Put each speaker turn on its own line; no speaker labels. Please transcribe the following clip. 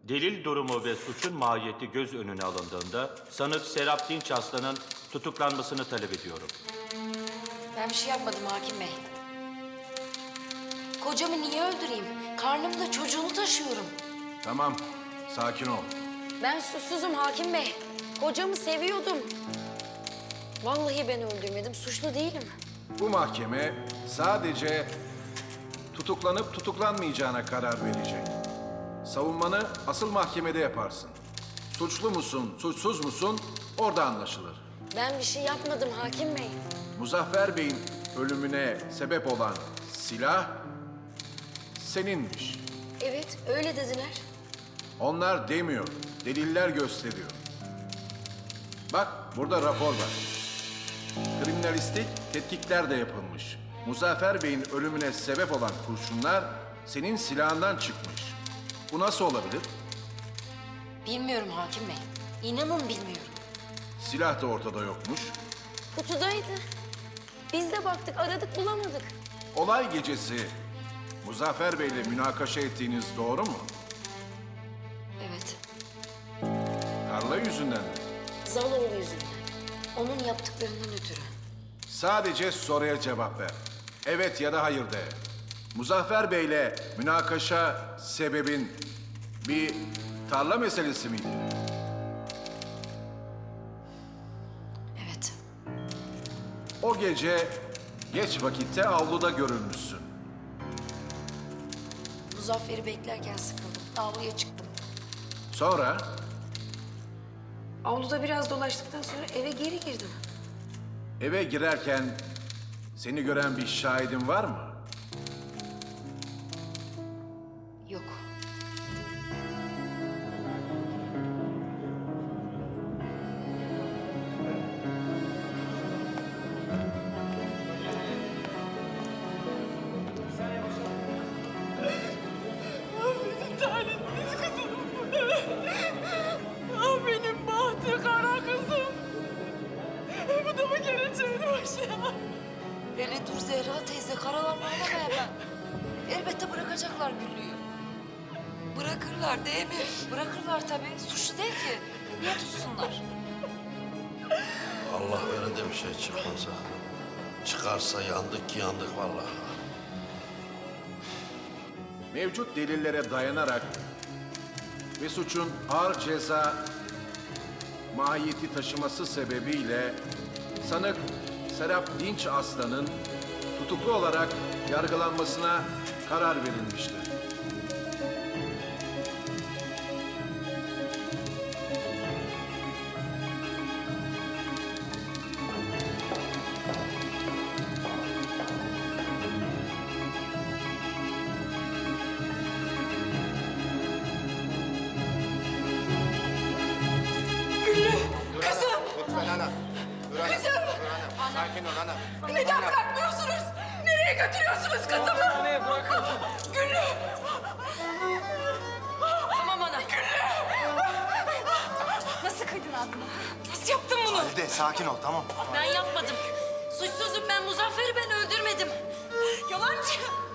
Delil durumu ve suçun mahiyeti göz önüne alındığında sanık Serap Dinç Aslan'ın tutuklanmasını talep ediyorum.
Ben bir şey yapmadım hakim bey. Kocamı niye öldüreyim? Karnımda çocuğunu taşıyorum.
Tamam, sakin ol.
Ben suçsuzum hakim bey. Kocamı seviyordum. Vallahi ben öldürmedim, suçlu değilim.
Bu mahkeme sadece tutuklanıp tutuklanmayacağına karar verecek. Savunmanı asıl mahkemede yaparsın. Suçlu musun, suçsuz musun orada anlaşılır.
Ben bir şey yapmadım hakim bey.
Muzaffer Bey'in ölümüne sebep olan silah seninmiş.
Evet, öyle dediler.
Onlar demiyor, deliller gösteriyor. Bak, burada rapor var. Kriminalistik tetkikler de yapılmış. Muzaffer Bey'in ölümüne sebep olan kurşunlar senin silahından çıkmış. Bu nasıl olabilir?
Bilmiyorum hakim bey. İnanın bilmiyorum.
Silah da ortada yokmuş.
Kutudaydı. Biz de baktık, aradık, bulamadık.
Olay gecesi Muzaffer Bey'le münakaşa ettiğiniz doğru mu?
Evet,
Tarla yüzünden mi?
Zaloğlu yüzünden. Onun yaptıklarından ötürü.
Sadece soruya cevap ver. Evet ya da hayır de. Muzaffer Bey'le münakaşa sebebin bir tarla meselesi miydi?
Evet.
O gece geç vakitte avluda görülmüşsün.
Muzaffer'i beklerken sıkıldım. Avluya çıktım.
Sonra
Avluda biraz dolaştıktan sonra eve geri girdim.
eve girerken seni gören bir şahidin var mı?
Yok.
Benim talihsiz kızım. Ah benim bahtı kara kızım. Bu da mı geleceğin başına?
Hele dur Zehra teyze, karalanma hemen. Elbette bırakacaklar Güllü'yü. Bırakırlar değil mi? Bırakırlar tabii. Suçlu değil ki. Niye tutsunlar?
Allah öyle de bir şey çıkmasa. Çıkarsa yandık ki yandık vallahi.
Mevcut delillere dayanarak ve suçun ağır ceza mahiyeti taşıması sebebiyle sanık Serap Dinç Aslan'ın tutuklu olarak yargılanmasına karar verilmiştir.
Kızım!
Lütfen ana. Dur ana.
Kızım!
Dur ana. Sakin ol ana.
Neden bırakmıyorsunuz? Nereye götürüyorsunuz kızımı? Nereye bırakın? Güllü!
Tamam ana. Nasıl kıydın aklına?
Nasıl yaptın bunu?
Halide sakin ol tamam.
Ben yapmadım. Suçsuzum ben. Muzaffer'i ben öldürmedim.
Yalancı!